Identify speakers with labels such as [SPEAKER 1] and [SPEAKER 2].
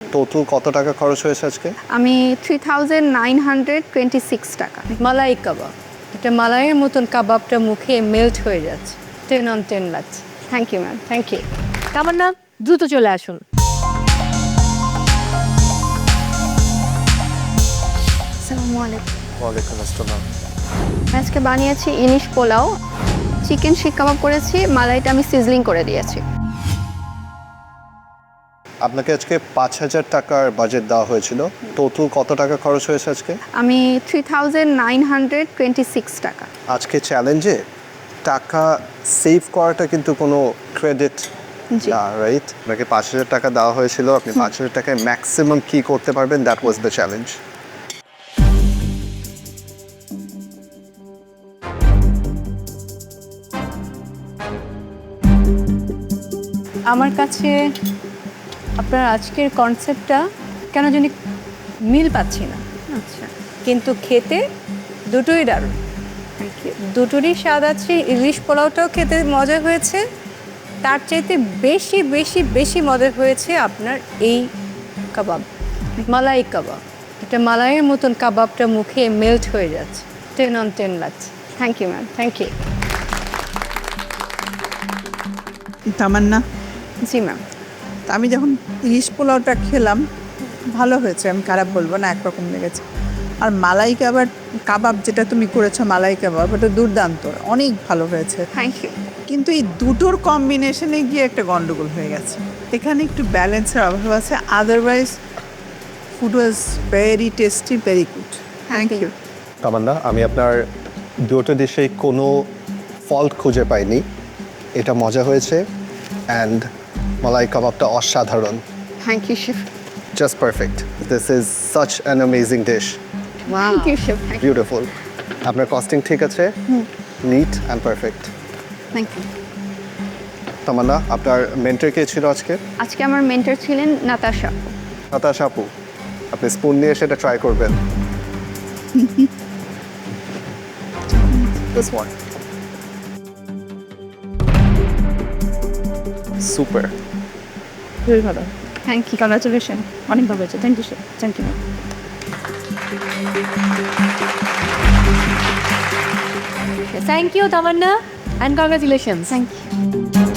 [SPEAKER 1] Total কত টাকা খরচ হয়েছে আজকে?
[SPEAKER 2] আমি 3926 টাকা।
[SPEAKER 3] মালাই কাবাব, এটা মালাইয়ের মতন কাবাবটা মুখে মেল্ট হয়ে যাচ্ছে। 10 on 10 লাগছে।
[SPEAKER 2] Thank you ma'am.
[SPEAKER 3] Thank you. Tamanna, দ্রুত চলে আসুন।
[SPEAKER 2] আসসালামু আলাইকুম।
[SPEAKER 1] ওয়ালাইকুম আসসালাম।
[SPEAKER 2] আজকে বানিয়েছি ইলিশ পোলাও, চিকেন শিক কাবাব করেছি, মালাইটা আমি সিজলিং করে দিয়েছি।
[SPEAKER 1] আপনাকে আজকে 5,000 টাকার বাজেট দেওয়া হয়েছিল, টোটাল কত টাকা খরচ হয়েছে আজকে?
[SPEAKER 2] আমি 3926 টাকা।
[SPEAKER 1] আজকে চ্যালেঞ্জে টাকা সেভ করাটা কিন্তু কোনো ক্রেডিট
[SPEAKER 2] জি।
[SPEAKER 1] না, রাইট? আপনাকে 5,000 টাকা দেওয়া হয়েছিল, আপনি 5,000 টাকায় ম্যাক্সিমাম কী করতে পারবেন, দ্যাট ওয়াজ দ্য চ্যালেঞ্জ।
[SPEAKER 3] আমার কাছে আপনার আজকের কনসেপ্টটা কেন জানি মিল পাচ্ছি না,
[SPEAKER 2] আচ্ছা,
[SPEAKER 3] কিন্তু খেতে দুটোই দারুণ।
[SPEAKER 2] Thank you.
[SPEAKER 3] দুটোরই স্বাদ আছে। ইলিশ পোলাওটাও খেতে মজা হয়েছে, তার চাইতে বেশি বেশি বেশি মজা হয়েছে আপনার এই কাবাব, মালাই কাবাব। এটা মালাইয়ের মতন কাবাবটা মুখে মেল্ট হয়ে যাচ্ছে। 10 on 10 লাগছে।
[SPEAKER 2] Thank you ma'am.
[SPEAKER 3] Thank you.
[SPEAKER 4] Tamanna,
[SPEAKER 2] জি ম্যাম।
[SPEAKER 4] তা আমি যখন ইলিশ পোলাওটা খেলাম ভালো হয়েছে, আমি খারাপ বলবো না, একরকম লেগেছে। আর মালাই কাবাব যেটা তুমি করেছো, মালাই কাবাব, ওটা দুর্দান্ত, অনেক ভালো হয়েছে।
[SPEAKER 2] Thank you.
[SPEAKER 4] কিন্তু এই দুটোর কম্বিনেশনে গিয়ে একটা গন্ডগোল হয়ে গেছে, এখানে একটু ব্যালেন্সের অভাব আছে। Otherwise food was very tasty, very good. Thank you.
[SPEAKER 1] Tamanna, আমি আপনার দুটো ডিশেই কোনো ফল্ট খুঁজে পাইনি, এটা মজা হয়েছে। অ্যান্ড মালাই কাবাবটা অসাধারণ,
[SPEAKER 2] thank you chef.
[SPEAKER 1] Just perfect. This is such an amazing dish,
[SPEAKER 2] thank you chef.
[SPEAKER 1] Beautiful. আপনার কস্টিং ঠিক আছে, neat and perfect.
[SPEAKER 2] Thank you.
[SPEAKER 1] Tamanna, আপনার মেন্টর কে ছিল আজকে?
[SPEAKER 2] আজকে আমার মেন্টর ছিলেন নাতাশা।
[SPEAKER 1] নাতাশা আপু, আপনি স্পুন নিয়ে সেটা ট্রাই করবেন। This one. Super.
[SPEAKER 5] খুবই ভালো।
[SPEAKER 2] Thank you.
[SPEAKER 5] কংগ্রাচুলেশন, অনেক ভালো হয়েছে। Thank you sir. Thank you.
[SPEAKER 3] Thank you Tamanna, and congratulations.
[SPEAKER 2] Thank you.